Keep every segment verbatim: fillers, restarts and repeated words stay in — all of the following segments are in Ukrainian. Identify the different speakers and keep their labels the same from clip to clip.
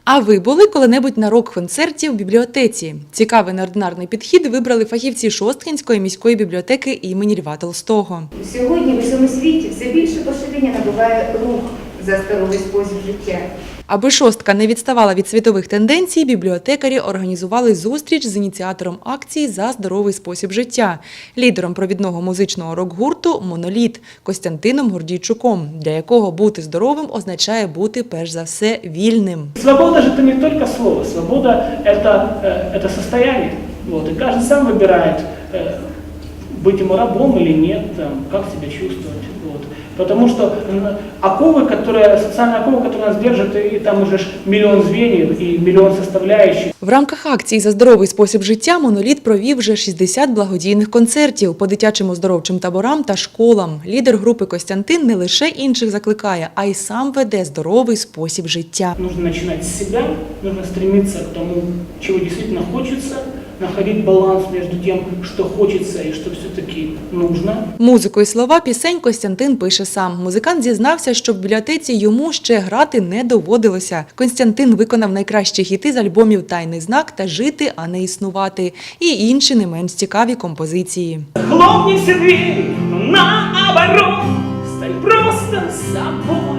Speaker 1: А ви були коли-небудь на рок-концерті в бібліотеці? Цікавий неординарний підхід вибрали фахівці Шосткинської міської бібліотеки імені Льва Толстого.
Speaker 2: Сьогодні в усьому світі все більше поширення набуває рух за здоровий спосіб життя.
Speaker 1: Аби Шостка не відставала від світових тенденцій, бібліотекарі організували зустріч з ініціатором акції «За здоровий спосіб життя», лідером провідного музичного рок-гурту «Моноліт» Костянтином Гордійчуком, для якого бути здоровим означає бути, перш за все, вільним.
Speaker 3: Свобода же это не только слово, свобода это, это состояние. Вот, и каждый сам выбирает, быть ему рабом или нет, там, как себя чувствовать. Вот. Потому что оковы, которые, социальные оковы, которые нас держат, и там уже миллион звеньев и миллион составляющих.
Speaker 1: В рамках акції «За здоровий спосіб життя» «Моноліт» провів вже шістдесят благодійних концертів по дитячим оздоровчим таборам та школам. Лідер групи Костянтин не лише інших закликає, а й сам веде здоровий спосіб життя.
Speaker 3: Нужно починати з себе, нужно стремиться к тому, чего действительно хочется, находить баланс между тем, что хочется и что все-таки нужно.
Speaker 1: Музику і слова пісень Костянтин пише сам. Музикант зізнався, що в бібліотеці йому ще грати не доводилося. Костянтин виконав найкращі хіти з альбомів «Тайний знак» та «Жити, а не існувати» і інші не менш цікаві композиції.
Speaker 3: Хлопни все двери, наоборот, стань просто собой.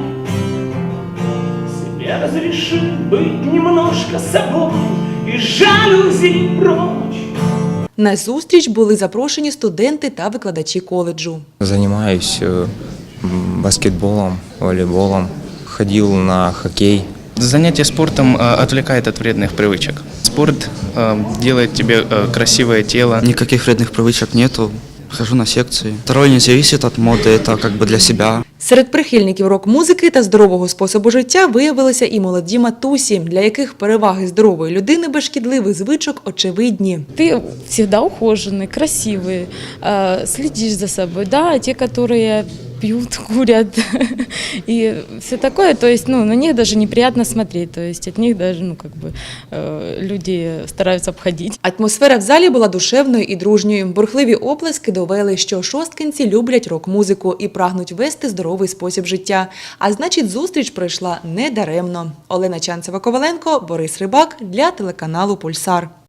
Speaker 3: Себе разреши быть немножко собой и жалюзи прочь.
Speaker 1: На зустріч були запрошені студенти та викладачі коледжу.
Speaker 4: Занимаюсь баскетболом, волейболом, ходил на хоккей.
Speaker 5: Занятие спортом отвлекает от вредных привычек. Спорт делает тебе красивое тело.
Speaker 6: Никаких вредных привычек нету. Хожу на секции. Второе не зависит от моды, это как бы для себя.
Speaker 1: Серед прихильників рок-музики та здорового способу життя виявилися і молоді матусі, для яких переваги здорової людини без шкідливих звичок очевидні.
Speaker 7: Ты всегда ухоженный, красивый, следишь за собой, да, а те, которые пьют, курят и все такое, то есть, ну, на них даже неприятно смотреть, то есть от них даже, ну, как бы, люди стараются обходить.
Speaker 1: Атмосфера в залі була душевною і дружньою. Бурхливі оплески довели, що шосткинці люблять рок-музику і прагнуть вести здоровий спосіб життя. А значить, зустріч пройшла недаремно. Олена Чанцева-Коваленко, Борис Рибак для телеканалу «Пульсар».